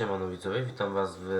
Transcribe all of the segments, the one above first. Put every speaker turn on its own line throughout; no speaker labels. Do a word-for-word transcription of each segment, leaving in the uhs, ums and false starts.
Siemano widzowie, witam was w...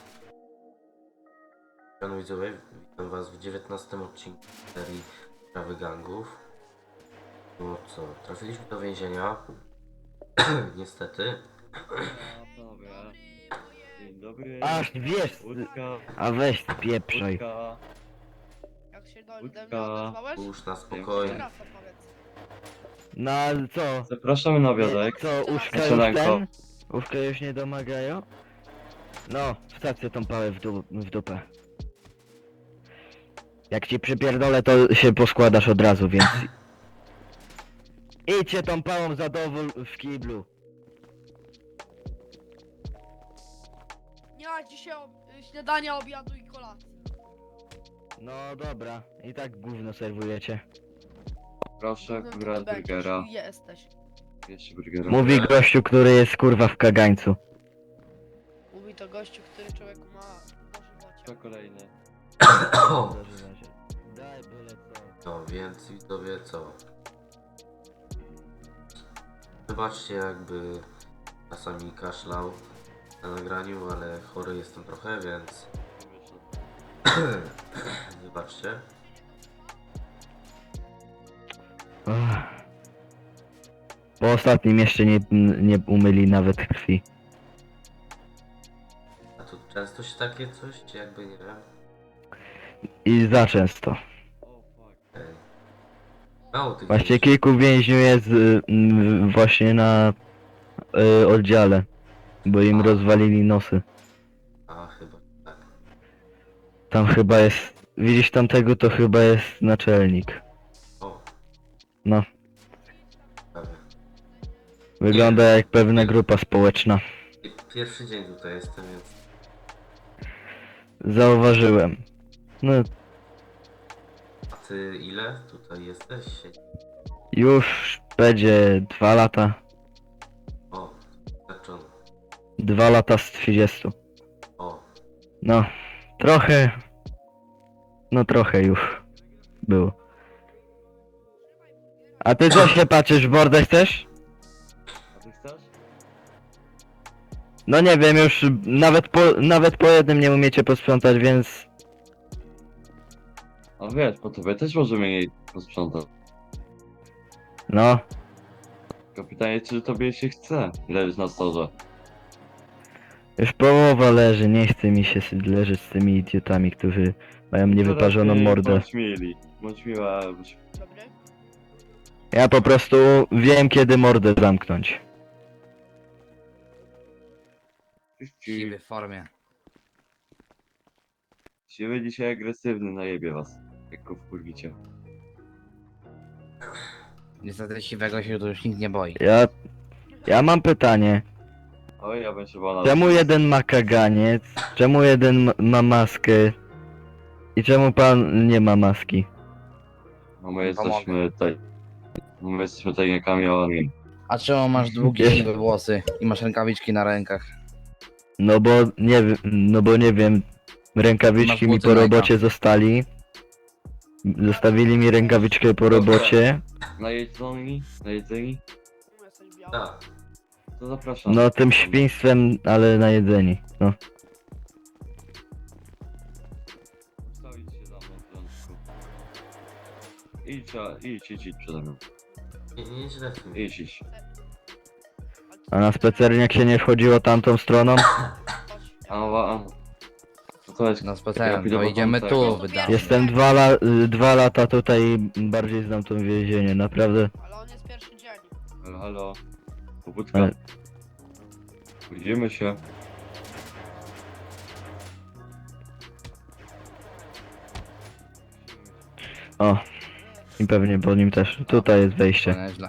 Siemano widzowie, witam was w dziewiętnastym odcinku serii Sprawy Gangów. No co, trafiliśmy do więzienia. Niestety.
Panowie, dzień dobry.
Ach, wiesz,
Łódka,
a weź pieprzaj.
łódka,
Jak się do, do mnie
Łódka.
odezwałeś?
Już na
Jeszcze
spokojnie.
raz opowiedz.
No ale co?
zapraszamy na obiadek.
Co, uszka już
Śniadanko.
ten? Uszka już nie domagają? No, wstawcie tą pałę w, du w dupę. Jak ci przypierdolę, to się poskładasz od razu, więc... Idźcie tą pałą za dowód w kiblu.
Nie ma dzisiaj ob śniadania, obiadu i kolacji.
No dobra, i tak gówno serwujecie.
Proszę,
No to
góra
ty będziesz
burgera.
i Jesteś.
Jeszcze burgera.
Mówi gościu, który jest kurwa w kagańcu.
Mówi to gościu, który człowieku ma
To
dożywocie.
kolejny.
Daj byle co.
No więc widzowie co? Wybaczcie jakby czasami kaszlał na nagraniu, ale chory jestem trochę, więc wybaczcie.
Ach. Po ostatnim jeszcze nie, nie umyli nawet krwi.
A tu często się takie coś, czy jakby nie wiem?
I za często.
O fuck.
Ej. Mało tych
Właśnie
więźniów.
kilku więźniów jest y, y, właśnie na y, oddziale, bo im
A.
rozwalili nosy.
A chyba tak.
Tam chyba jest, widzisz tamtego, to chyba jest naczelnik.
O,
No,
prawie.
wygląda jak pewna grupa społeczna.
Pierwszy dzień tutaj jestem, więc
Zauważyłem. No,
a ty ile tutaj jesteś?
już będzie dwa lata.
O, zaczęło.
Dwa lata z trzydziestu.
O,
No, trochę, no trochę już było. A ty co się patrzysz, w mordę chcesz?
A ty chcesz?
No nie wiem, już nawet po, nawet po jednym nie umiecie posprzątać, więc...
A wiesz, po tobie też możemy jej posprzątać.
No,
Tylko pytanie, czy tobie się chce leżeć na storze.
już połowa leży, nie chce mi się s- leżeć z tymi idiotami, którzy mają niewyparzoną
Lepiej
mordę.
Bądź mili. Bądź miła. Bądź...
Dobry?
Ja po prostu wiem, kiedy mordę zamknąć.
Siwy w formie.
Siwy dzisiaj agresywny, najebie was. Jak go wkurwicie.
Niestety siwego się tu już nikt nie boi.
Ja... Ja mam pytanie.
Oj, ja bym się bał
Czemu jeden ma kaganiec? Czemu jeden ma, ma maskę? I czemu pan nie ma maski?
No my jesteśmy tutaj... My jesteśmy tajnikami armii.
A czemu masz długie
Wiesz-
siwe włosy i masz rękawiczki na rękach?
No bo nie wiem, no bo nie wiem, rękawiczki
Masz
mi po
buty
robocie zostali. Zostawili mi rękawiczkę po robocie.
Najedzeni? Najedzeni?
Czemu jesteś biały?
tak.
To zapraszam.
No tym świństwem, ale na jedzeni. No.
Ustawić się za mną w porządku. Idź, a- idź, idź, idź przede mną.
Nie, nie źle w tym.
Idź, idź.
A na spacerniak się nie wchodziło tamtą stroną?
Chodź.
A, a, a. No to jest...
No
Ja
specjalnie,
pójdę
to
po
idziemy
tamtego.
tu, wydamy.
Jestem dwa, la y, dwa lata tutaj i bardziej znam to więzienie, naprawdę.
Ale on jest pierwszy dzień.
Halo, halo. Pobudka.
Ale-
Pójdziemy się.
O. I pewnie po nim też. Tutaj jest wejście.
Nieźle.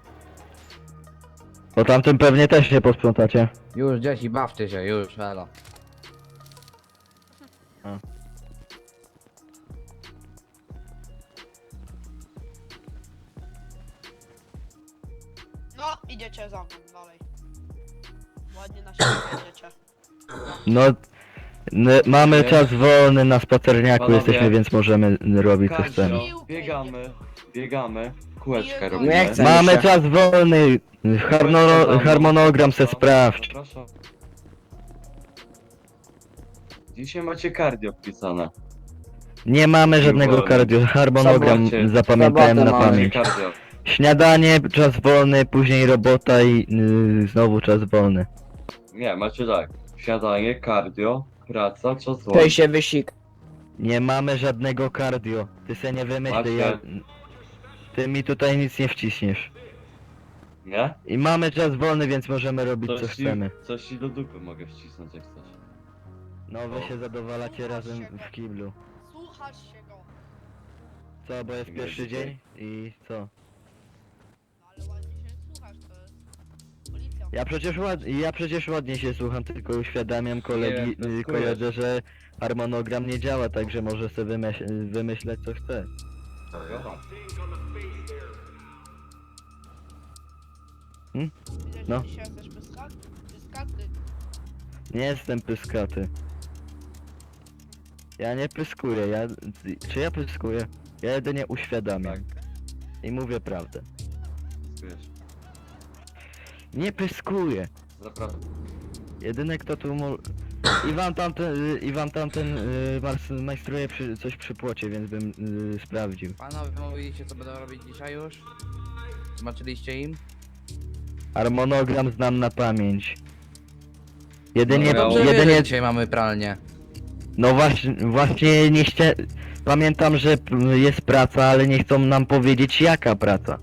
Po tamtym pewnie też się posprzątacie.
Już dzieci, bawcie się, już, elo.
No, idziecie za mną dalej. Ładnie na siebie jedziecie.
No, n- mamy
Nie.
czas wolny na spacerniaku
Panowie.
jesteśmy, więc możemy robić co chcemy.
Kazio, biegamy, biegamy. Kółeczka
Nie
robimy.
chcę.
Mamy
się.
czas wolny. Harmono harmonogram se
Zapraszam,
sprawdź.
Zapraszam. Dzisiaj macie cardio wpisane.
Nie mamy żadnego
wolny.
cardio, harmonogram
Sobocie.
zapamiętałem
Sobotę
na
mamy.
pamięć.
Cardio.
Śniadanie, czas wolny, później robota i yy, znowu czas wolny.
Nie, macie tak. Śniadanie, cardio, praca, czas wolny.
Tej się wysik.
Nie mamy żadnego cardio. Ty se nie wymyśl, ja...
Macie.
Ty mi tutaj nic nie wciśniesz.
Nie?
I mamy czas wolny, więc możemy robić co
Coś ci,
chcemy.
coś ci do dupy mogę wcisnąć jak chcesz.
No wy się zadowalacie razem w kiblu.
Słuchasz się go.
Co, bo jest
Nie
pierwszy
dzisiaj.
dzień? I co?
No ale ładnie się słuchasz, to jest policja.
Ja przecież ład... ja przecież ładnie się słucham, tylko uświadamiam kolegi,
Nie,
y,
pyskujesz.
koledze, że harmonogram nie działa, także może sobie wymyśl... wymyśleć co chce.
To jest.
Aha.
Widzę,
No.
że dzisiaj jesteś pyskaty. Pyskaty.
Nie jestem pyskaty. Ja nie pyskuję, ja... Czy ja pyskuję? Ja jedynie uświadamiam.
Tak.
I mówię prawdę.
Wiesz.
Nie pyskuję.
Naprawdę.
Jedyny kto tu mo... I wam tamten, y, i wam tamten y, mars- majstruje przy, coś przy płocie, więc bym y, sprawdził.
Panowie mówiliście co będą robić dzisiaj już? Zobaczyliście im?
Harmonogram znam na pamięć. Jedynie,
No, ja-
Dobrze wiesz,
jedynie,
że dzisiaj mamy pralnię.
no właśnie, właśnie nie chcia... Pamiętam, że p- jest praca, ale nie chcą nam powiedzieć jaka praca.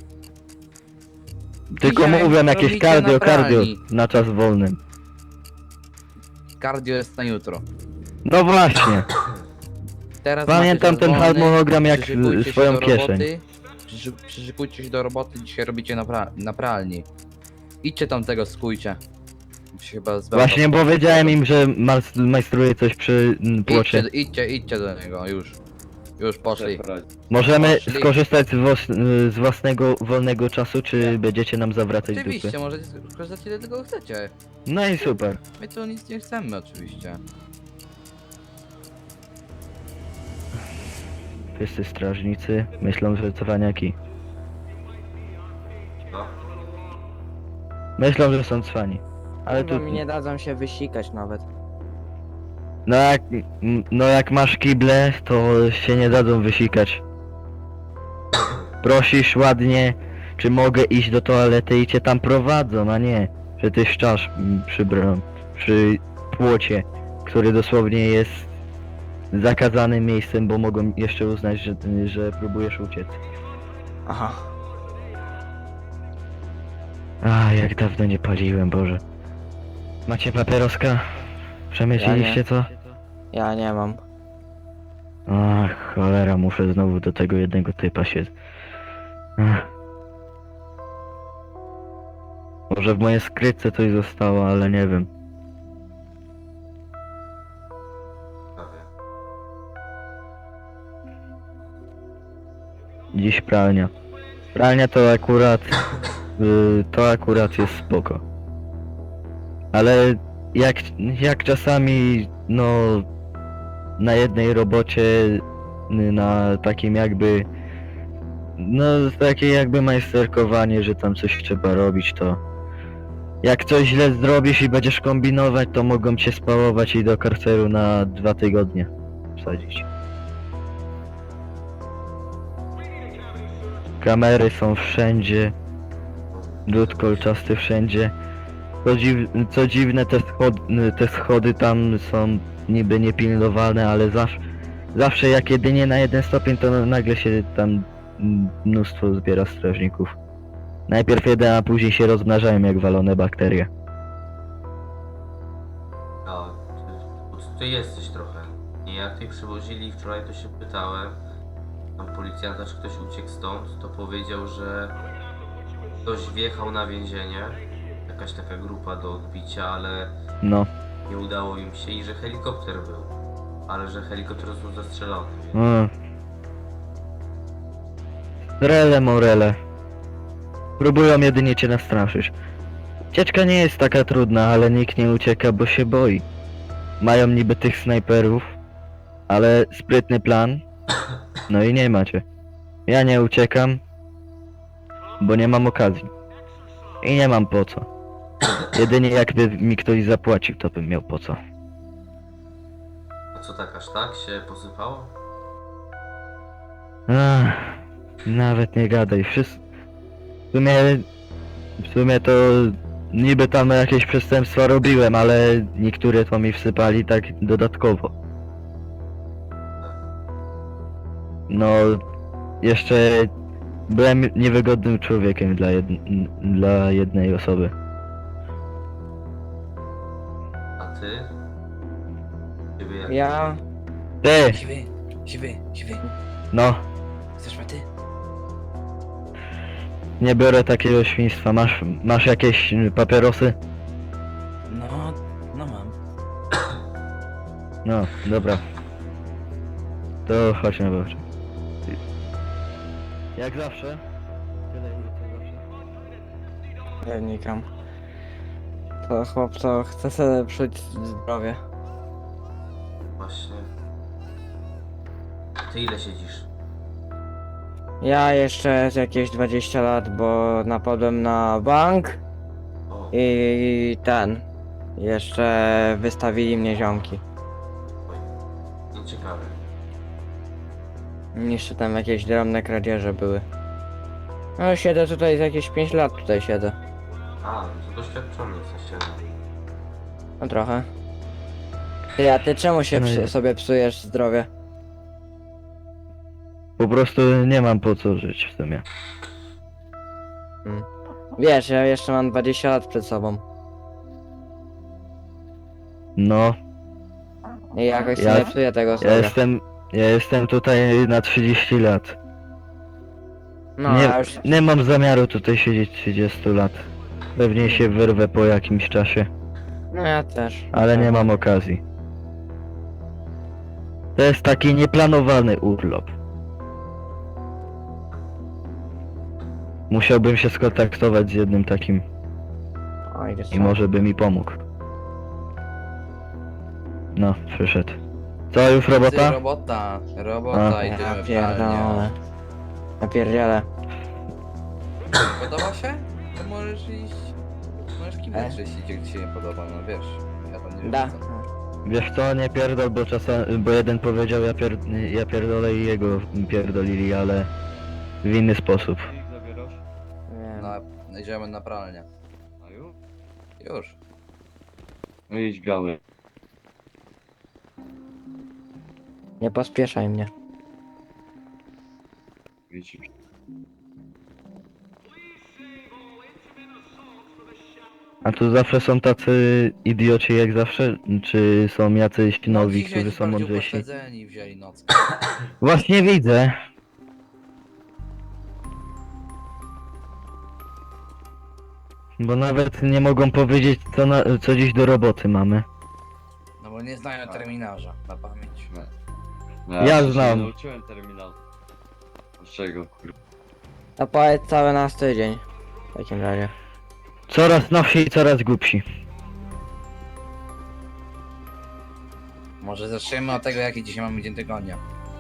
Tylko
Dzisiaj
mówią jakieś
robicie
cardio,
na
cardio
pralni.
na czas wolny.
Cardio jest na jutro.
No właśnie,
Teraz
pamiętam
macie czas
ten
wolny,
harmonogram jak
przyszykujcie
y,
się
swoją
do
kieszeń.
roboty, przyszy- Przyszykujcie się do roboty, dzisiaj robicie na, pra na pralni. Idźcie tam tego, skójcie. Się chyba zbędą.
Właśnie powiedziałem im, że mas- majstruje coś przy mm, płocie.
Idźcie, idźcie, idźcie do niego, już. Już poszli.
Przepraszam.
Możemy
Poszli.
skorzystać z, wos- z własnego wolnego czasu, czy będziecie nam zawracać
Oczywiście,
dupy?
możecie skorzystać ile tego chcecie.
No i super.
My tu nic nie chcemy oczywiście.
Wszyscy strażnicy myślą, że cwaniaki.
No.
Myślą, że są cwani. Ale tu...
Kurwa, mi nie dadzą się wysikać nawet.
No jak... m, no jak masz kible, to się nie dadzą wysikać. Prosisz ładnie, czy mogę iść do toalety i cię tam prowadzą, a nie, że ty szczasz m, przy bram, przy płocie, który dosłownie jest zakazanym miejscem, bo mogą jeszcze uznać, że, że próbujesz uciec.
Aha.
A, jak dawno nie paliłem, Boże. Macie papieroska? Przemyśleliście co?
Ja nie mam.
Ach, cholera, muszę znowu do tego jednego typa się... Ach. Może w mojej skrytce coś zostało, ale nie wiem.
Prawie.
Dziś pralnia. Pralnia to akurat... y, to akurat jest spoko. Ale jak, jak czasami, no... Na jednej robocie, y, na takim jakby... No, takie jakby majsterkowanie, że tam coś trzeba robić, to... Jak coś źle zrobisz i będziesz kombinować, to mogą cię spałować i do karceru na dwa tygodnie wsadzić. Kamery są wszędzie. Drut kolczasty wszędzie. Co, dziw, co dziwne, te schody, te schody tam są niby niepilnowane, ale zawsze, zawsze jak jedynie na jeden stopień, to nagle się tam mnóstwo zbiera strażników. Najpierw jeden, a później się rozmnażają jak walone bakterie.
A, ty, ty jesteś trochę. I jak ty przywozili wczoraj, to się pytałem. Tam policjanta, czy ktoś uciekł stąd, to powiedział, że ktoś wjechał na więzienie. Jakaś taka grupa do odbicia, ale
No.
nie udało im się i że helikopter był. Ale że helikopter został zastrzelony.
Mm. Rele morele. Próbują jedynie cię nastraszyć. Ucieczka nie jest taka trudna, ale nikt nie ucieka, bo się boi. Mają niby tych snajperów, ale sprytny plan. No i nie macie. Ja nie uciekam, bo nie mam okazji. I nie mam po co. Jedynie jakby mi ktoś zapłacił, to bym miał po co.
co tak aż tak się posypało?
Ach, nawet nie gadaj. Wszystko... W sumie... W sumie to... Niby tam jakieś przestępstwa robiłem, ale niektóre to mi wsypali tak dodatkowo. No... Jeszcze... Byłem niewygodnym człowiekiem dla, jed... dla jednej osoby.
A ty? Ciebie jak?
Ja...
Ty!
Siwy, siwy, siwy.
No,
Chcesz maty?
nie biorę takiego świństwa. Masz, masz jakieś y, papierosy?
No, no mam.
No, dobra. To chodź na boczek. Jak zawsze? Tyle ile co zawsze.
Ja nikam. To chłop to chce sobie psuć zdrowie.
Właśnie. Ty ile siedzisz?
Ja jeszcze z jakieś dwadzieścia lat, bo napadłem na bank
O,
i ten. Jeszcze wystawili mnie ziomki.
nieciekawe.
Jeszcze tam jakieś drobne kradzieże były. No siedzę tutaj z jakieś pięć lat tutaj siedzę.
A, no to doświadczony jesteście.
No trochę. Ty, a ty czemu się
No
psu-
i-
sobie psujesz zdrowie?
Po prostu nie mam po co żyć w sumie.
Wiesz, ja jeszcze mam dwadzieścia lat przed sobą.
No,
I jakoś
Ja-
sobie psuję tego
ja
zdrowia.
jestem... Ja jestem tutaj na trzydzieści lat.
No,
nie,
ja już...
nie mam zamiaru tutaj siedzieć trzydzieści lat. Pewnie się wyrwę po jakimś czasie,
No ja też.
ale nie mam okazji. To jest taki nieplanowany urlop. Musiałbym się skontaktować z jednym takim
Oj, wiesz
i
co?
może by mi pomógł. No, przyszedł. Co, już
Ty,
robota?
robota, robota,
A.
idziemy
Ja
w
pierdolę. Ja pierdzielę.
Podoba się? To możesz iść... Możesz
E?
kiwnąć, jeśli ci się nie podoba, no wiesz. Ja tam nie wiem.
Da.
co.
Wiesz co, nie pierdol, bo czasami, bo jeden powiedział ja, pier, ja pierdolę i jego pierdolili, ale w inny sposób.
Ich zabierasz?
Wiem.
No, idziemy na pralnię.
A już?
Już.
No idź biały.
Nie pospieszaj mnie.
Widzisz.
A tu zawsze są tacy idioci jak zawsze? Czy są jacyś nowi,
No, dzisiaj
którzy
ci
są
bardziej
mądrzejsi?
upośledzeni wzięli noc.
Właśnie widzę. Bo nawet nie mogą powiedzieć co, na, co dziś do roboty mamy.
No bo nie znają terminarza na pamięć.
No.
Ja
się
znam.
nie nauczyłem terminal. Z czego kurwa?
To powiedz cały nas tydzień. W takim razie.
Coraz nowsi i coraz głupsi.
Może zaczniemy od tego, jaki dzisiaj mamy dzień tygodnia.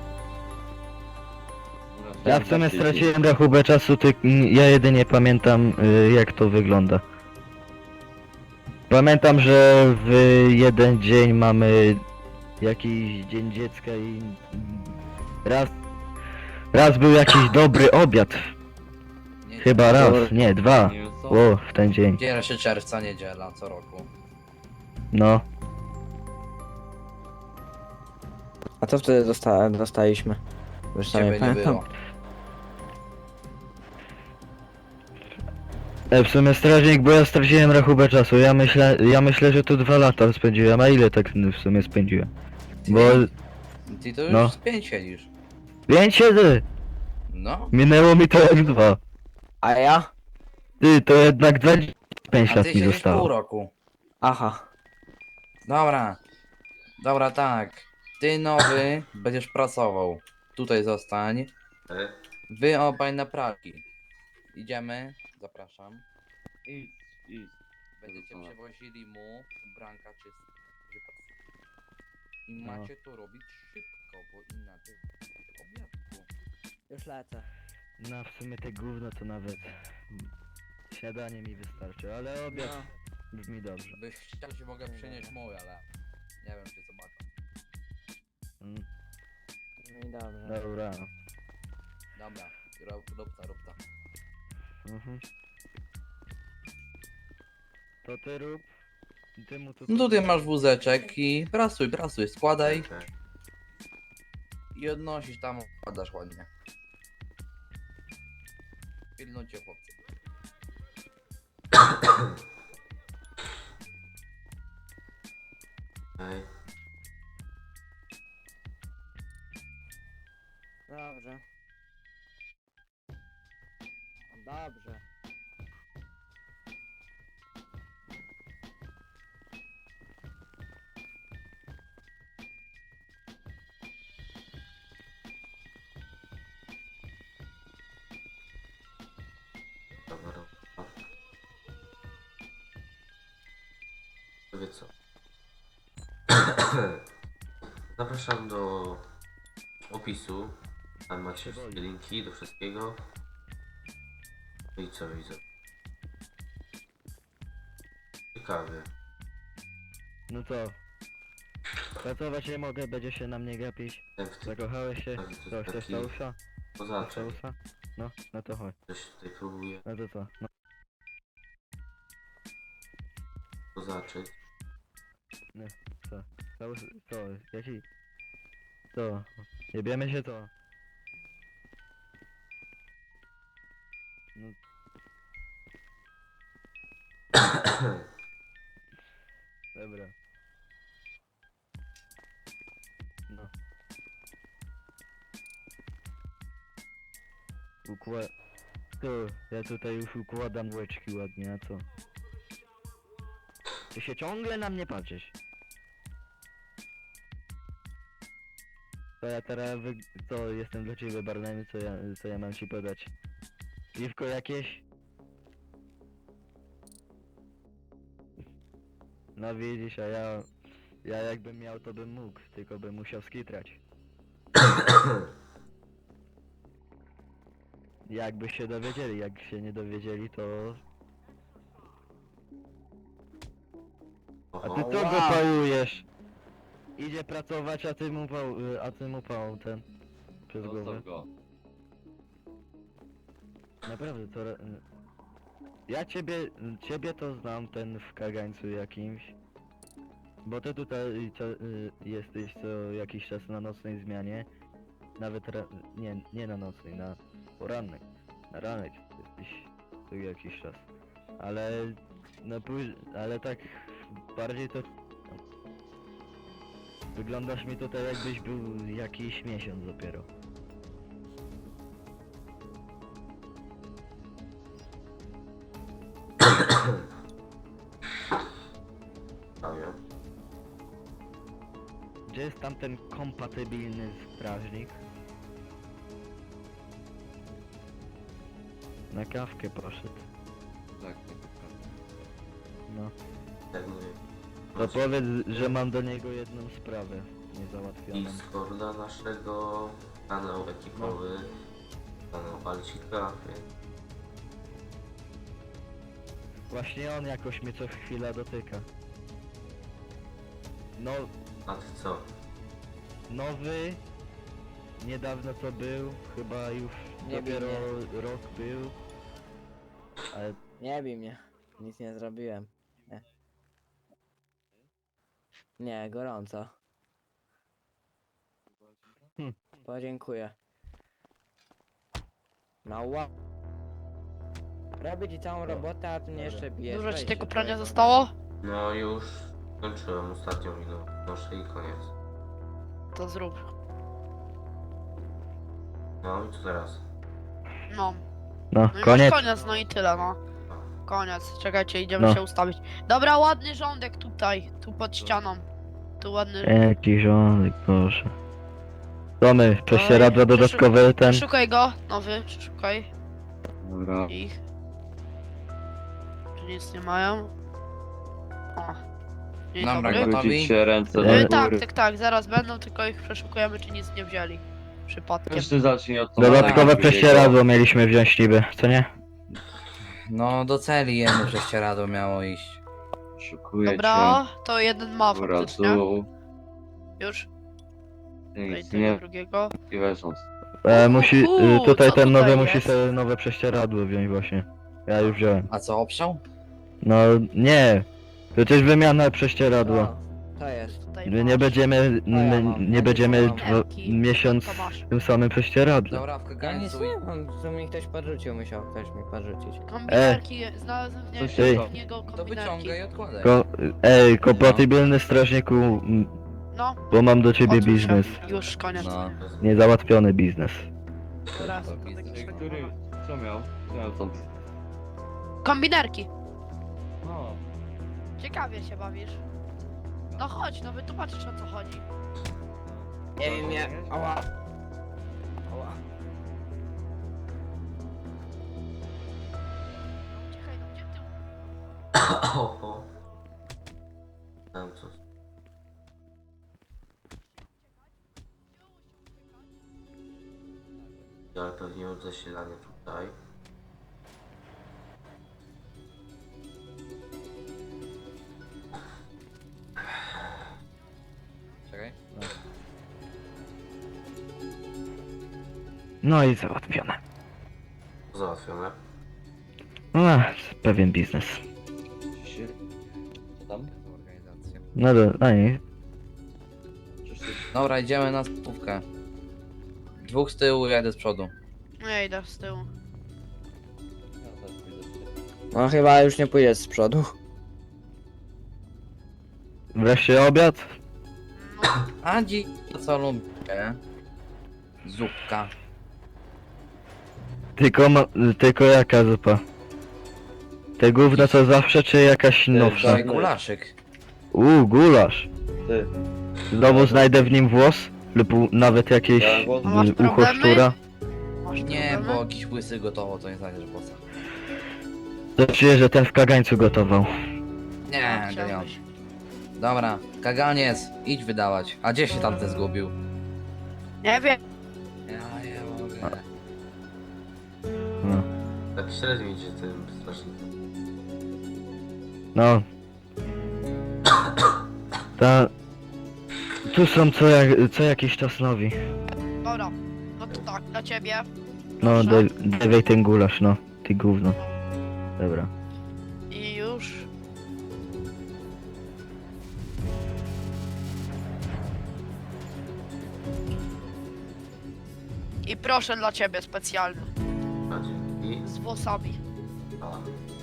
Ja w sumie straciłem rachubę czasu, ty, ja jedynie pamiętam y, jak to wygląda. Pamiętam, że w jeden dzień mamy jakiś dzień dziecka i raz, raz był jakiś dobry obiad.
Nie,
Chyba raz, nie, dwa.
Nie wiem co?
O, w ten dzień.
pierwszego czerwca, niedziela, co roku.
No,
A co wtedy dosta dostaliśmy? Już sam nie
Ciebie nie
pamiętam.
było.
e, w sumie strażnik, bo ja straciłem rachubę czasu. Ja myślę, ja myślę, że tu dwa lata spędziłem, a ile tak w sumie spędziłem?
Ty,
Bo
ty to już
no.
z pięć siedzisz.
pięć siedzę!
No.
Minęło mi to jak dwa.
A ja?
Ty, to jednak dwadzieścia pięć
A
lat
ty
mi
siedzisz pół
zostało.
roku.
Aha.
Dobra. Dobra, tak. Ty nowy będziesz pracował. Tutaj zostań.
E?
Wy obaj na pralki. Idziemy. Zapraszam.
Idź, idź.
Będziecie
Dobra.
przewozili mu ubranka czyste. I
No.
macie to robić szybko, bo inaczej obiadku.
Już lecę.
No w sumie te gówno to nawet śniadanie mi wystarczy, ale obiad
No.
brzmi dobrze.
Byś chciał, ci mogę przynieść mój, ale nie wiem czy zobaczę.
Mm,
No i dobrze.
dobra.
Dobra, rób, rób to, rób to.
Mhm. To ty rób. Ty mu tu...
No tutaj masz wózeczek i prasuj, prasuj, składaj
Okej.
i odnosisz tam, odkładasz ładnie. Pilnujcie chłopcy.
Okej.
Dobrze. Dobrze.
Dobra, dobra. To wie co. Zapraszam do opisu. Tam macie wszystkie linki do wszystkiego. No i co widzę? Ciekawie.
No co? Pracować nie mogę, będzie się na mnie gapić.
Jak w tym
Zakochałeś się?
taki-
Co, chcesz
taki-
całusa? Chcesz
pozaczek.
całusa? No, no to chodź.
Ktoś tutaj próbuje
No to co? No.
pozaczyć.
Co? Całus... Co? Jaki? Co? Jebiemy się co? No... Dobra. No. Układ... Tu, ja tutaj już układam łeczki ładnie, a co? Ty się ciągle na mnie patrzysz. To ja teraz wy... Co, jestem dla ciebie barmanem, co ja, co ja mam ci podać? Piwko jakieś? No widzisz, a ja... Ja jakbym miał, to bym mógł, tylko bym musiał skitrać. Jakby się dowiedzieli, jak się nie dowiedzieli, to... A ty
Oho.
co go pałujesz? Idzie pracować, a ty mu pał... a ty mu pał ten... Przez głowę.
Zostaw go.
Naprawdę, to... re- Ja ciebie... ciebie to znam, ten w kagańcu jakimś. Bo ty tutaj co, y, jesteś co jakiś czas na nocnej zmianie. Nawet ra... nie, nie na nocnej, na porannej. Na ranek jesteś co jakiś czas. Ale... no później... ale tak... bardziej to... Wyglądasz mi tutaj jakbyś był jakiś miesiąc dopiero.
Prawie.
Gdzie jest tam ten kompatybilny strażnik? Na kawkę poszedł.
Tak, tak, tak.
No.
Jak mówię.
To powiedz, że mam do niego jedną sprawę niezałatwioną.
Discorda naszego, kanał ekipowy, kanał Balcika, więc
Właśnie on jakoś mnie co chwila dotyka. No,
a ty co?
nowy, niedawno co był, chyba już
Nie bij
dopiero rok był. Ale
Nie bij mnie. Nic nie zrobiłem. Nie. Nie, gorąco.
Hm.
Podziękuję. Mała. Robię ci całą robotę, a ty mnie jeszcze bijesz.
Dużo ci
Weź
tego
się,
prania
człowieku.
zostało?
No już skończyłem ostatnią minutę, noszę i koniec.
To zrób.
No i co teraz?
No.
no,
No i
koniec.
masz koniec, no i tyle, no. Koniec. Czekajcie, idziemy
No.
się ustawić. Dobra, ładny rządek tutaj, tu pod ścianą. Tu ładny...
Jaki żonek, proszę. Tomy, prześcieradła
Oj,
dodatkowe ten...
Szukaj go, nowy, szukaj
Dobra.
ich. Czy nic nie mają? O. Dzień
Dobra,
dobry.
gotowi?
Wrócić się ręce do
E,
E,
góry.
tak, tak, tak, zaraz będą, tylko ich przeszukujemy, czy nic nie wzięli. Przypadkiem.
Każdy zacznie od
Dodatkowe
drugiego.
prześcieradło mieliśmy wziąć niby, co nie?
No do celi jedno prześcieradło miało iść.
Szukuję
Dobra, to jeden ma
cię. Dobra,
faktycznie.
tu.
Już. Tutaj
Nic,
tego
nie,
drugiego.
i leżąc.
E, musi,
Uuu,
y, tutaj
co
ten
tutaj
nowy musi
jest?
sobie nowe prześcieradło wziąć właśnie. Ja już wziąłem.
A co, obszał?
No nie, przecież wymiana prześcieradła.
O, to jest.
Tutaj
My
masz.
nie będziemy,
ja
my
mam. Ja
nie
nie
będziemy
mam.
dwa, miesiąc
To masz.
w tym samym prześcieradle.
Dobra, w
Ja nic
kagańcu
nie mam, to mi ktoś podrzucił, musiał ktoś mi podrzucić.
Kombinerki, znalazłem w, nie,
Coś
Ej.
w niego
to
kombinerki.
wyciągaj i odkładaj.
Ko, ej, kompatybilny strażniku, m,
No,
bo mam do ciebie
odwróć się.
biznes.
Już, koniec.
No.
Niezałatwiony biznes.
Raz,
To
to
biznes.
taki
Ej,
szlak-
który, co miał? Co miał tam?
Kombinerki.
No,
Ciekawie się bawisz. No chodź, no wytłumaczysz o co chodzi.
Nie wiem, ja... Ała. Ała.
Czekaj, no gdzie ty?
Oho. Tam co? Ale pewnie od zasilania tutaj.
Czekaj.
No i załatwione.
Załatwione.
A, pewien biznes.
czy się... Co tam?
Organizacja.
No do, a nie.
Czyż ty...
Dobra, idziemy na spówkę. Dwóch z tyłu, jeden z przodu.
Nie idę z tyłu.
Ja też pójdę z tym.
No chyba już nie pójdę z przodu.
Wreszcie obiad?
No,
A dzi... to co lubię? Zupka.
Tylko ma, tylko jaka zupa? Te gówno co zawsze, czy jakaś nowsza?
Wczoraj gulaszyk.
Uuu, gulasz.
Ty,
Znowu znajdę w nim włos? Lub u- nawet jakieś
Ja włos-
y,
Masz
ucho
problemy?
szczura?
masz
Nie,
problemy?
bo jakiś łysy gotowo, to nie znajdziesz bossa.
To czuję, że ten w kagańcu gotował.
Nie,
No,
to nie on.
chciałbyś.
Dobra, kaganiec, idź wydawać. A gdzie się tamten zgubił?
Nie wiem.
Ja nie mogę.
No.
Tak średnio idzie tym strażnikiem.
No. Ta... Tu są co, jak, co jakiś czas nowi.
Dobra, no to tak, dla ciebie.
No,
Proszę.
daj- dawaj ten gulasz, no. Ty gówno. Dobra.
I już. I proszę dla ciebie specjalny.
A dzięki.
Z włosami.
A,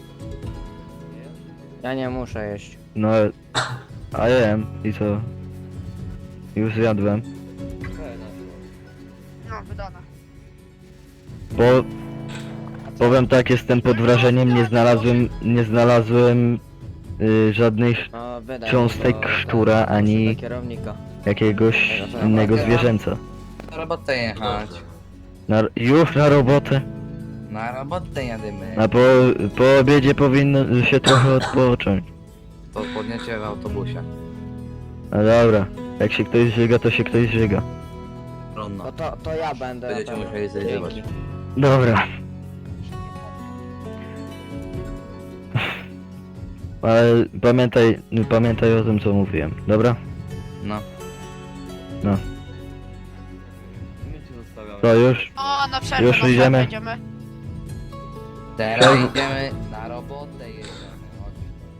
Ja nie muszę jeść.
No, a jem. I co? Już zjadłem.
No, wydane.
Bo... Powiem tak, jestem pod wrażeniem, nie znalazłem, nie znalazłem y, żadnych
No wydaj.
cząstek
bo-
szczura,
bo-
ani
do kierownika.
jakiegoś innego zwierzęca.
Na robotę jechać.
dobrze.
Na, już na robotę?
Na robotę jadymy.
A po, po obiedzie powinno się trochę odpocząć.
To podniecie w autobusie.
No dobra, jak się ktoś żyga, to się ktoś żyga.
Ronno.
No to, to ja będę.
Będziecie
na pewno.
musieli zrealizować.
Dzięki.
Dobra. Ale pamiętaj, pamiętaj o tym co mówiłem, dobra?
No.
No.
My cię zostawiamy.
To już?
O, na przerwę,
Już
na przerwę
idziemy?
idziemy.
Teraz
Czemu?
idziemy na robotę jedziemy. Chodź.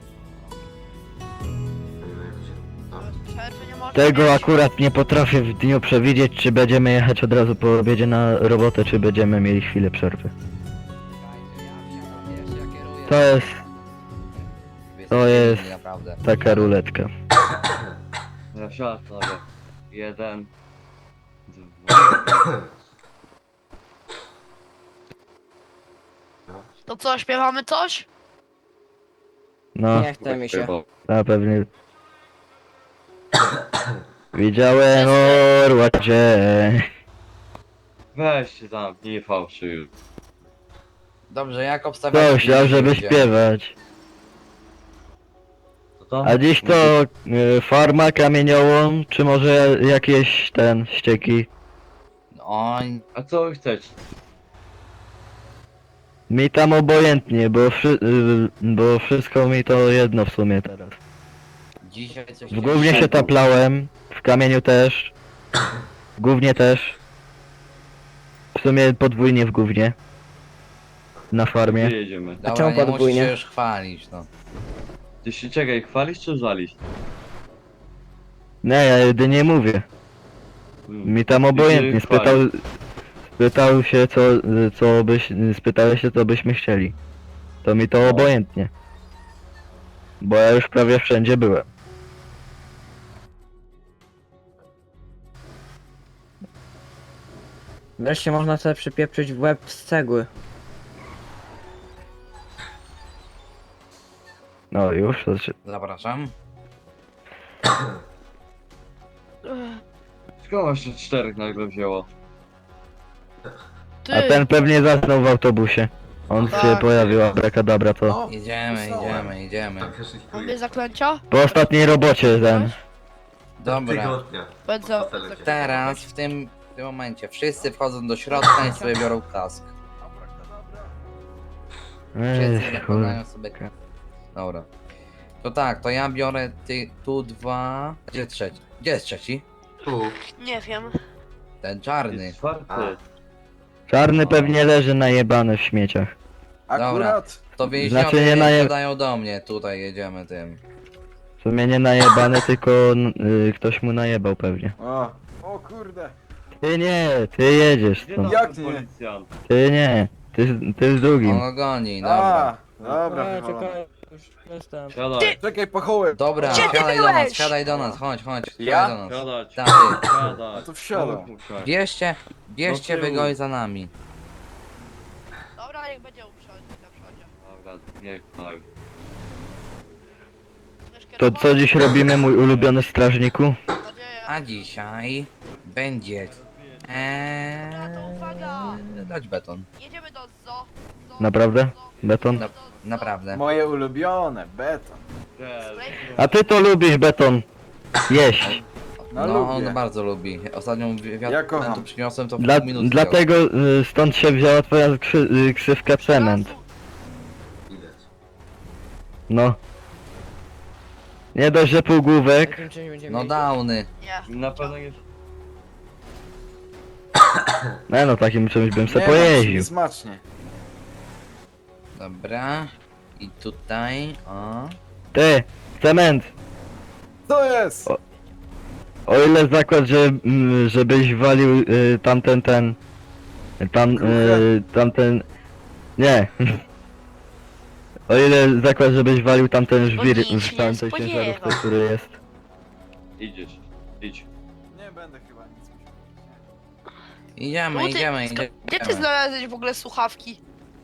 No.
Przerwy nie można
Tego
mieć.
akurat nie potrafię w dniu przewidzieć, czy będziemy jechać od razu po obiedzie na robotę, czy będziemy mieli chwilę przerwy.
Czekajcie, ja wsiadam pierwszy, ja kieruję.
To jest
Wy
to
jesteście
jest-
inni, Naprawdę.
taka ruletka.
Ja wsiadam sobie. Jeden. Dwa.
To co, śpiewamy coś?
No,
Nie chce mi się.
na pewnie. Widziałem orła cię.
Weź się tam, nie fałszyj.
Dobrze, jak obstawiacie?
Ktoś dał, żeby
ludzie?
śpiewać.
Co to?
A dziś to y, farma, kamieniołom, czy może jakieś ten, ścieki?
Oj,
A co wy chcecie?
Mi tam obojętnie, bo, wszy, y, bo wszystko mi to jedno w sumie teraz.
dzisiaj coś...
W głównie się taplałem, w kamieniu też. W Gównie też. W sumie podwójnie w Gównie. Na farmie.
Gdzie jedziemy?
Dobra,
czemu
nie musisz
podwójnie?
się już chwalić, no.
Ty się czekaj, chwalisz czy żalisz?
Nie, ja jedynie mówię.
Hmm.
Mi tam
Ty się
obojętnie. Spytał,
chwalisz.
spytał się co, co byś, spytałeś się co byśmy chcieli. To mi to
No.
obojętnie. Bo ja już prawie wszędzie byłem.
Wreszcie można sobie przypieprzyć w łeb z cegły.
No już, to się...
Zapraszam.
Skąd właśnie czterech nagle wzięło?
Ty,
A ten pewnie zasnął w autobusie. On
Tak.
się pojawił, abrakadabra, to...
Idziemy, idziemy, idziemy.
Tak, już ich
mamy zaklęcia?
Po ostatniej robocie ten.
Dobra.
Tygodnia.
Będę...
Hotele cię
Teraz w tym, w tym momencie wszyscy wchodzą do środka i sobie biorą kask. Wszyscy
Ech,
nakładają
kurde.
sobie kask. Dobra. To tak, to ja biorę ty, tu dwa... Gdzie trzeci? Gdzie jest trzeci?
Tu.
Nie wiem.
Ten czarny.
Jest czwarty.
A.
Czarny pewnie leży najebany w śmieciach.
Akurat. To więźniowie
Znaczy nie naje-
gadają do mnie, tutaj jedziemy tym.
W sumie nie najebany, tylko n- y, ktoś mu najebał pewnie.
O, o kurde.
Ty nie, ty jedziesz
Gdzie
stąd.
tam
Jak
ten
nie?
policjant?
Ty nie, ty, ty z drugim.
On go goni, dobra.
A, dobra, wywalone.
czekaj, już jestem.
Siadaj,
Czekaj, pachołem.
Dobra,
Gdzie ty
siadaj do nas,
byłeś?
siadaj do nas, chodź, chodź,
Ja?
siadaj do nas.
siadać,
Tak, ty.
siadać.
A to wsiadam.
Pomóż mu wsiąść.
Bierzcie, bierzcie
Do tyłu.
wygoj za nami.
Dobra, niech będzie uprzątnie na przodzie.
Dobra, niech tak.
Chcesz
To
kierować?
co dziś robimy, mój ulubiony strażniku?
Mam nadzieję.
A dzisiaj będzie... Eee,
Dobra, to uwaga!
dać beton.
Jedziemy do zoo. zoo
Naprawdę?
zoo,
Beton?
Na,
zoo, zoo.
naprawdę.
Moje ulubione, beton.
Cześć.
A ty to lubisz beton. Jeść.
No,
No,
lubię.
on bardzo lubi. Ostatnią
Ja
wiatr
kocham.
tu przyniosłem to w
Dla,
pół minuty.
dlatego y, stąd się wzięła twoja krzy, y, ksywka cement.
Widać.
No. Nie dość, że półgłówek.
Jakim czymś będziemy
No
jeździć?
downy.
Nie.
Na pewno nie...
No, no takim czymś bym se
Nie,
pojeździł.
Smacznie.
Dobra. I tutaj, o.
Ty, cement.
Co jest?
O- O ile zakład, że mm, żebyś walił y, tamten ten. Tam, y, tamten. Nie. O ile zakład, żebyś walił tamten żwir
nic się
w
nie
tamtej
spodziewa.
ciężarówce, który jest.
Idziesz, idź.
Nie będę chyba nic musiał.
Idziemy,
Czemu ty-
idziemy,
sk-
idziemy.
Gdzie ty znalazłeś w ogóle słuchawki?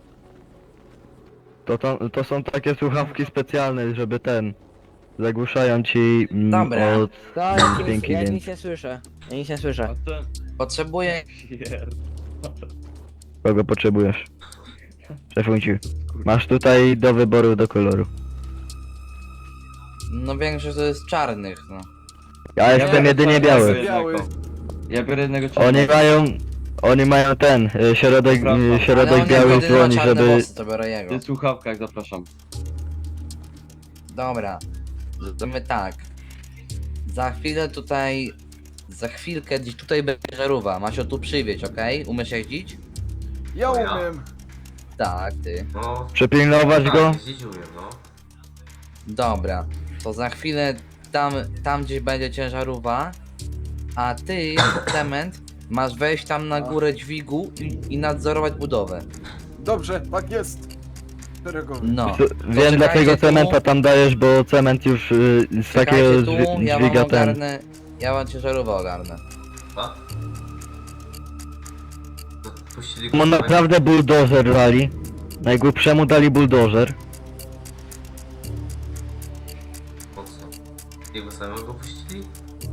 To, to, to są takie słuchawki specjalne, żeby ten. Zagłuszają ci mm,
Dobra.
od
To ja nic,
dźwięki,
ja
więc.
nic nie słyszę. Ja nic nie
A
słyszę.
ten...
Potrzebuję...
Pierd...
Kogo potrzebujesz? Szefunciu. Masz tutaj do wyboru do koloru.
No większość to jest czarnych, no.
Ja jestem
biorę
jedynie
czarnego
biały.
jednego.
Biały.
Ja biorę jednego
Oni
czarnego.
mają. Oni mają ten, y, środek,
Dobra.
y,
Ale
środek
on
biały
jak
w dłoni,
czarne
żeby.
włosy, to biorę
W
jego.
tych słuchawkach zapraszam.
Dobra. Zrobimy tak. Za chwilę tutaj... Za chwilkę gdzieś tutaj będzie żarówka. Masz ją tu przywieźć, okej? Umiesz jeździć?
Ja
O ja.
umiem.
Tak, ty.
No.
Przepilnować go.
Tak, jeździć umiem, no.
Dobra. To za chwilę tam, tam gdzieś będzie ciężarówka. A ty, cement, masz wejść tam na górę dźwigu i, i nadzorować budowę.
Dobrze, tak jest. Szeregowy.
No.
Tu- Wiem, dlatego
tu.
cementa tam dajesz, bo cement już y, z takiego
Czekajcie tu,
dźwi-
ja wam
dźwiga ten.
ogarnę. Ja wam ciężarówkę ogarnę.
A? No, puścili
Mu
go
naprawdę buldożer dali. Najgłupszemu dali buldożer.
Po co? Jego samego puścili?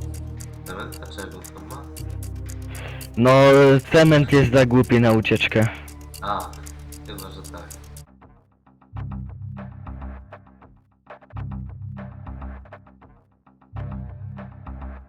Cement? A czego tam ma?
No, cement jest za głupi na ucieczkę.